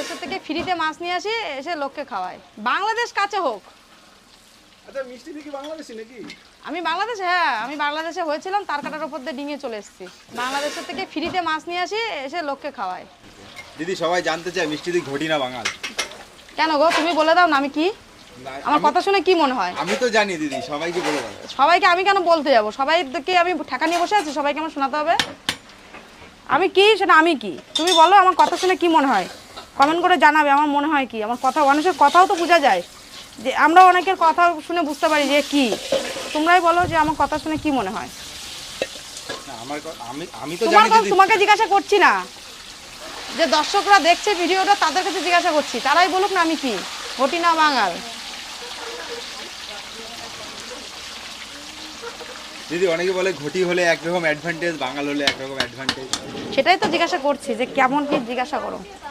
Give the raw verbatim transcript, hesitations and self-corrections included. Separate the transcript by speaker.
Speaker 1: বাংলাদেশের থেকে ফ্রিতে মাছ নিয়ে আসি, এসে লোককে খাওয়াই। বাংলাদেশ কাছে হোক।
Speaker 2: আচ্ছা, মিষ্টি কি বাংলাদেশি নাকি?
Speaker 1: আমি বাংলাদেশে, হ্যাঁ আমি বাংলাদেশে হয়েছিলাম, তার কাটার উপর দিয়ে ডিঙে চলে এসেছি। বাংলাদেশের থেকে ফ্রিতে মাছ নিয়ে আসি, এসে লোককে খাওয়াই।
Speaker 2: দিদি সবাই জানতে চায় মিষ্টি দি ঘটি না বাঙাল।
Speaker 1: কেন গো, তুমি বলে দাও না আমি কি? আমার কথা শুনে কি মনে হয়?
Speaker 2: আমি তো জানি দিদি, সবাইকে বলে দাও।
Speaker 1: সবাইকে আমি কেন বলতে যাবো? সবাইকে আমি ঠেকা নিয়ে বসে আছি, সবাইকে আমার শোনাতে হবে? আমি কি সেটা আমি কি, তুমি বলো আমার কথা শুনে কি মনে হয়? কমেন্ট করে জানাবে আমার মনে হয় কি। আমার কথা, মানুষের কথাও তো বোঝা যায়, যে আমরা অনেকের কথা শুনে বুঝতে পারি যে কি। তোমরাই বলো যে আমার কথা শুনে কি মনে হয়?
Speaker 2: না আমার আমি আমি তো
Speaker 1: তোমার
Speaker 2: জানি
Speaker 1: কথা
Speaker 2: দিদি।
Speaker 1: তোমাকে জিজ্ঞাসা করছি না, যে দর্শকরা দেখছে ভিডিওটা তাদের কাছে জিজ্ঞাসা করছি, তারাই বলুক না আমি কি, ঘটি না বাঙাল।
Speaker 2: দিদি অনেকে বলে ঘটি হলে একরকম অ্যাডভান্টেজ, বাঙাল হলে একরকম অ্যাডভান্টেজ।
Speaker 1: সেটাই তো জিজ্ঞাসা করছি, যে কেমন কি জিজ্ঞাসা করো।